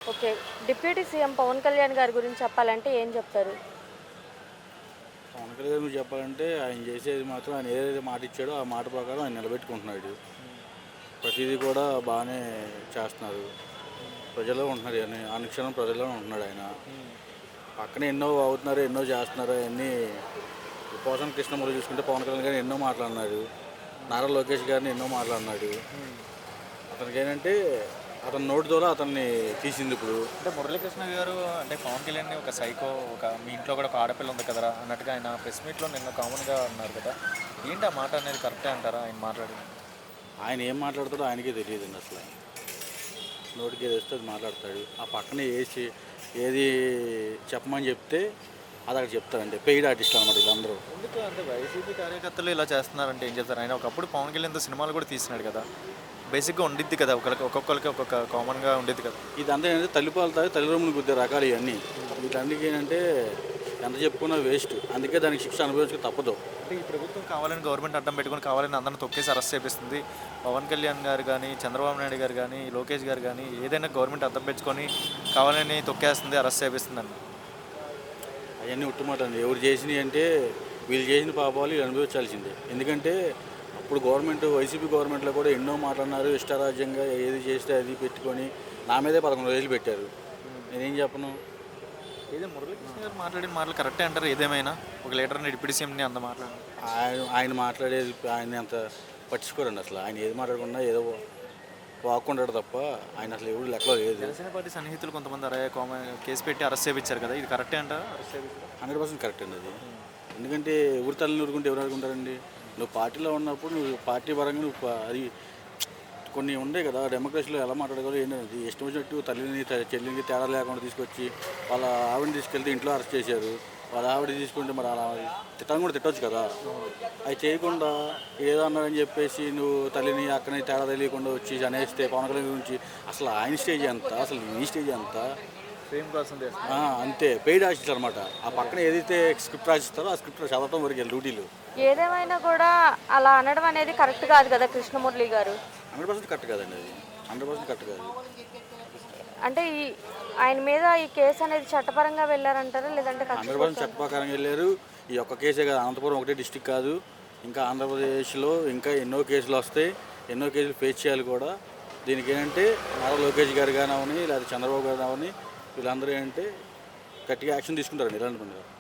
Okay. Deputy CM Pawan Kalyan గారి గురించి చెప్పాలంటే ఏం చెప్తారు? పవన్ కళ్యాణ్ గురించి చెప్పాలంటే ఆయన చేసేది మాత్రం ఆయన ఏదైతే మాట ఇచ్చాడో ఆ మాట ప్రకారం ఆయన నిలబెట్టుకుంటున్నాడు. ప్రతిదీ కూడా బాగానే చేస్తున్నారు. ప్రజల్లో ఉంటున్నారు, అని అనుక్షణం ప్రజల్లో ఉంటున్నాడు ఆయన. పక్కన ఎన్నో అవుతున్నారు, ఎన్నో చేస్తున్నారు. అవన్నీ పోసాని కృష్ణమూర్తి చూసుకుంటే పవన్ కళ్యాణ్ గారిని ఎన్నో మాట్లాడినాడు. నారా లోకేష్ గారిని ఎన్నో మాట్లాడినాడు. అతనికి ఏంటంటే అతని నోటి ద్వారా అతన్ని తీసింది ఇప్పుడు. అంటే మురళీకృష్ణ గారు అంటే పవన్ కళ్యాణ్ని ఒక సైకో, ఒక మీ ఇంట్లో కూడా ఒక ఆడపిల్ల ఉంది కదరా అన్నట్టుగా ఆయన ప్రెస్ మీట్లో నిన్న కామన్గా అన్నారు కదా. ఏంటి ఆ మాట అనేది కరెక్టే అంటారా ఆయన మాట్లాడింది? ఆయన ఏం మాట్లాడతాడో ఆయనకే తెలియదండి అసలు. నోటికి ఏది వస్తే అది మాట్లాడతాడు. ఆ పక్కనే ఏది చెప్పమని చెప్తే అది అక్కడ చెప్తారండి. పెయిడ్ ఆర్టిస్ట్ అనమాట వీళ్ళందరూ. ఎందుకు అంటే వైసీపీ కార్యకర్తలు ఇలా చేస్తున్నారంటే ఏం చెప్తారు? ఆయన ఒకప్పుడు పవన్ కళ్యాణ్తో సినిమాలు కూడా తీసినాడు కదా. బేసిక్గా ఉండిద్ది కదా, ఒక్కొక్కరికి ఒక్కొక్క కామన్గా ఉండేది కదా. ఇదంతా ఏంటంటే తల్లిపాలు తాగి తల్లిదండ్రులు గుద్దే రకాలు ఇవన్నీ. వీటన్నిటికీ ఏంటంటే ఎంత చెప్పుకున్నా వేస్ట్. అందుకే దానికి శిక్ష అనుభవించక తప్పదు. అంటే ఈ ప్రభుత్వం కావాలని గవర్నమెంట్ అడ్డం పెట్టుకొని కావాలని అందరిని తొక్కేసి అరెస్ట్ చేపిస్తుంది. పవన్ కళ్యాణ్ గారు కానీ, చంద్రబాబు నాయుడు గారు కానీ, లోకేష్ గారు కానీ ఏదైనా గవర్నమెంట్ అడ్డం పెట్టుకొని కావాలని తొక్కేస్తుంది, అరెస్ట్ చేపిస్తుందండి. అవన్నీ ఉట్టుమాట అండి. ఎవరు చేసినవి అంటే వీళ్ళు చేసిన పాపాలు వీళ్ళు అనుభవించాల్సిందే. ఎందుకంటే అప్పుడు గవర్నమెంట్ వైసీపీ గవర్నమెంట్లో కూడా ఎన్నో మాట్లాడినారు. ఇష్టారాజ్యంగా ఏది చేస్తే అది పెట్టుకొని నా మీదే 11 రోజులు పెట్టారు. నేనేం చెప్పను. ఏదో మురళీకృష్ణ గారు మాట్లాడిన మాటలు కరెక్టే అంటారు. ఏదేమైనా ఒక లీడర్ని డిప్యూటీ సీఎంని అంత మాట్లాడారు. ఆయన మాట్లాడేది ఆయన అంత పట్టించుకోరండి అసలు. ఆయన ఏది మాట్లాడకుండా ఏదో వాక్కుంటాడు తప్ప ఆయన అసలు ఎవరు లెక్కలో లేదు. జనసేన పార్టీ సన్నిహితులు కొంతమంది కేసు పెట్టి అరెస్ట్ చేయించారు కదా, ఇది కరెక్టే అంటారా? అరెస్ట్ చేయించారు 100% కరెక్ట్ అండి అది. ఎందుకంటే ఎవరి తల్లిని ఊరుకుంటే ఎవరు ఆడుకుంటారండి. నువ్వు పార్టీలో ఉన్నప్పుడు నువ్వు పార్టీ పరంగా నువ్వు అది కొన్ని ఉండే కదా. డెమోక్రసీలో ఎలా మాట్లాడగలరు ఏంటంటే ఇష్టం వచ్చినట్టు తల్లిని చెల్లిని తేడా లేకుండా తీసుకొచ్చి వాళ్ళ ఆవిడని తీసుకెళ్తే ఇంట్లో అరెస్ట్ చేశారు. వాళ్ళ ఆవిడ తీసుకుంటే మరి అలా తిట్టడం కూడా తిట్టవచ్చు కదా. అవి చేయకుండా ఏదో అన్నారని చెప్పేసి నువ్వు తల్లిని అక్కని తేడా తెలియకుండా వచ్చి అనేస్తే పవన్ కళ్యాణ్ గురించి అసలు ఆయన స్టేజ్ ఎంత, అసలు నీ స్టేజ్ ఎంత. సేమ్ కోసం అంతే పెయిడ్ ఆర్టిస్ట్ అనమాట. ఆ పక్కన ఏదైతే స్క్రిప్ట్ రాసిస్తారో ఆ స్క్రిప్ట్ చదవటం వరకు డ్యూటీలు. ఏదేమైనా కూడా అలా అనడం అనేది కరెక్ట్ కాదు కదా కృష్ణమురళి గారు. 100% కరెక్ట్ కాదండి అది. 100% కరెక్ట్ కాదు. అంటే ఆయన మీద ఈ కేసు అనేది చట్టపరంగా వెళ్ళారంటారా లేదంటే 100% చట్టప్రకారంగా వెళ్ళారు. ఈ ఒక్క కేసే కాదు, అనంతపురం ఒకటే డిస్టిక్ కాదు, ఇంకా ఆంధ్రప్రదేశ్లో ఇంకా ఎన్నో కేసులు వస్తాయి. ఎన్నో కేసులు ఫేస్ చేయాలి కూడా. దీనికి ఏంటంటే నారా లోకేష్ గారు కానీ అవని లేదా చంద్రబాబు గారు అవని వీళ్ళందరూ ఏంటంటే గట్టిగా యాక్షన్ తీసుకుంటారండి ఇలాంటి పని.